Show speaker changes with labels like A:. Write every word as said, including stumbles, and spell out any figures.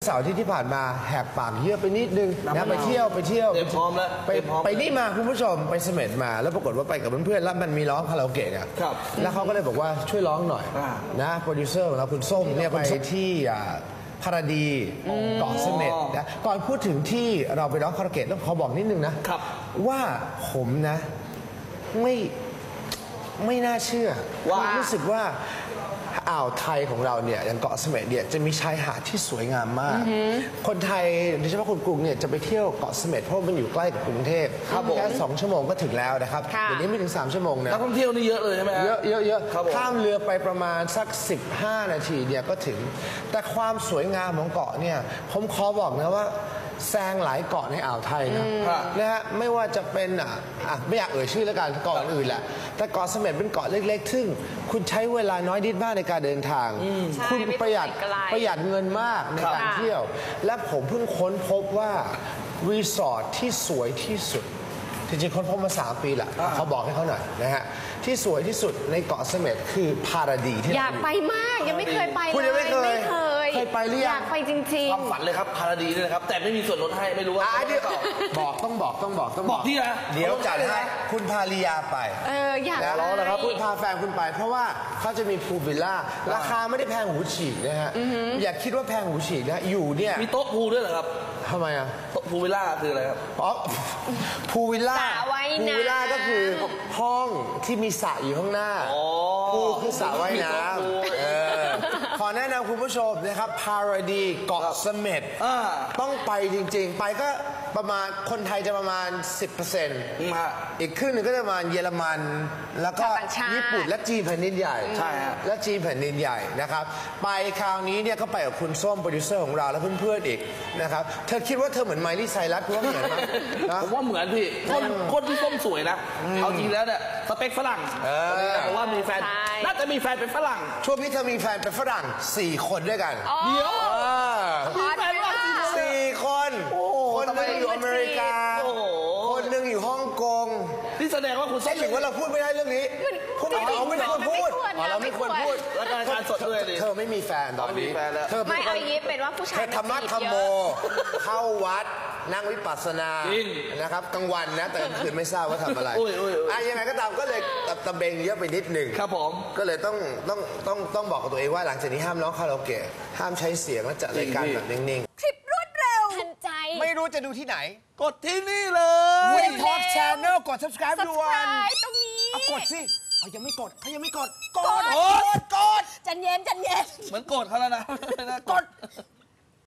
A: เสาร์ที่ที่ผ่านมาแหกปากเยอะไปนิดนึงนะไปเที่ยวไปเที่ยว
B: เตรียมพร้อมแล้ว
A: ไปไปนี่มาคุณผู้ชมไปเสม็ดมาแล้วปรากฏว่าไปกับเพื่อนๆแล้วมันมีร้องคาราโอเกะเนี่ยแล้วเขาก็เลยบอกว่าช่วยร้องหน่อยนะโปรดิวเซอร์ของเราคุณส้มเนี่ยไปที่พาราดีเกาะเสม็ดนะก่อนพูดถึงที่เราไปร้องคาราโอเกะต้องขอบอกนิดนึงนะว่าผมนะไม่ไม่น่าเชื่อว่ารู้สึกว่าอ่าวไทยของเราเนี่ยอย่างเกาะเสม็ดเนี่ยจะมีชายหาดที่สวยงามมากคนไทยโดยเฉพาะคนกรุงเนี่ยจะไปเที่ยวเกาะเสม็ดเพราะมันอยู่ใกล้กับกรุงเทพแค่สองชั่วโมงก็ถึงแล้วนะครับเดี๋ยวนี้ไม่ถึงสามชั่วโมงนะ
B: นักท่องเที่ยวนี่เยอะเลยใช่ไหม
A: เยอะเยอะเยอะข้ามเรือไปประมาณสักสิบห้านาทีเนี่ยก็ถึงแต่ความสวยงามของเกาะเนี่ยผมขอบอกนะว่าแซงหลายเกาะในอ่าวไทยนะนะฮะไม่ว่าจะเป็นอ่ะไม่อยากเอ่ยชื่อแล้วกันเกาะอื่นแหละแต่เกาะเสม็ดเป็นเกาะเล็กๆซึ่งคุณใช้เวลาน้อยนิดมากในการเดินทางคุณประหยัดประหยัดเงินมากในการเที่ยวและผมเพิ่งค้นพบว่ารีสอร์ทที่สวยที่สุดจริงๆค้นพบมาสามปีแหละเขาบอกให้เขาหน่อยนะฮะที่สวยที่สุดในเกาะเสม็ดคือพาราดีที่
C: อยากไปมากยังไม่เคยไปเลย
A: คุณยังไม่เคย
C: เคย
A: เคยไปหรือยัง
C: อยากไปจริงๆ
B: ความฝันเลยครับพาราดีนี่นะครับแต่ไม่มีส่วนลดให้ไม่รู้ว่า
A: เดี๋ยวบอกต้องบอกต้องบอกต้อง
B: บอกที่นะ
A: เดี๋ยวจัดให้คุณพาริยาไป
C: เอออยาก
A: ร้องนะครับคุณพาแฟนคุณไปเพราะว่าเขาจะมีพูลวิลล่าราคาไม่ได้แพงหูฉีกนะฮะอย่าคิดว่าแพงหูฉีกนะอยู่เนี่ย
B: มีโต๊ะพูลด้วยเหรอครับ
A: ทำไมอ่ะ
B: โต๊ะพูลวิลล่าคืออะไรครับ
A: อ๋อพูลวิลล่าพูลวิลล่าก็คือห้องที่มีสระอยู่ข้างหน้าพูลคือสระว่ายน้ำขอแนะนำคุณผู้ชมนะครับพาราดีเกาะเสม็ดต้องไปจริงๆไปก็ประมาณคนไทยจะประมาณ สิบเปอร์เซ็นต์ อีกครึ่งหนึ่งก็จะประมาณเยอรมันแล้วก็ญี่ปุ่นและจีนแผ่นดินใหญ่
B: ใช่ฮะ
A: และจีนแผ่นดินใหญ่นะครับไปคราวนี้เนี่ยก็ไปกับคุณส้มโปรดิวเซอร์ของเราและเพื่อนๆอีกนะครับเธอคิดว่าเธอเหมือนไมลี่ไซรัสว่าเหมือนไหม
B: ผมว่าเหมือนพี่คนคนที่ส้มสวยนะเอาจริงแล้วเนี่ยสเปคฝรั่งแต่ว่ามีแฟนน่าจะมีแฟนเป็นฝรั่ง
A: ช่วงนี้เธอมีแฟนเป็นฝรั่งสี่คนด้วยกัน
B: เดี๋ยว
C: มีแฟนฝรั่ง
A: สี่คนคนนึงอยู่อเมริกาคนนึงอยู่ฮ่องกง
B: นี่แสดงว่าคุณ
A: ใช่หรือว่าเราพูดไม่ได้เรื่องนี้พูดไม่ได้เราไม่ควรพูดเราไม่ควรพูด
B: แล้วการการสดด้วย
A: เธอไม่มีแฟนตอนนี้
C: เธอไม่เอายี้เป็นว่าผู้ชาย
A: ธรรมะธรรมโมเข้าวัดนั่งวิปัสสนานะครับกลางวันนะแต่กลางคืนไม่ทราบว่าทำอะไรอ่ะยังไงก็ตามก็เลยตะเบงเยอะไปนิดหนึ่ง
B: ครับผม
A: ก็เลยต้องต้องต้องต้องบอกกับตัวเองว่าหลังจากนี้ห้ามร้องคาราโอเกะห้ามใช้เสียงและจัดรายการแบบนิ่ง
C: ๆคลิปรวดเร็วทันใจ
A: ไม่รู้จะดูที่ไหน
B: กดที่นี่เลย
A: วีท็อป Channel กด subscribe ด่วน
C: ตรงนี้
A: กดสิเขายังไม่กดเขายังไม่กดกด
C: กดกดจันเย็นจันเย็น
B: เหมือนกดเขาแล้วนะ
A: กด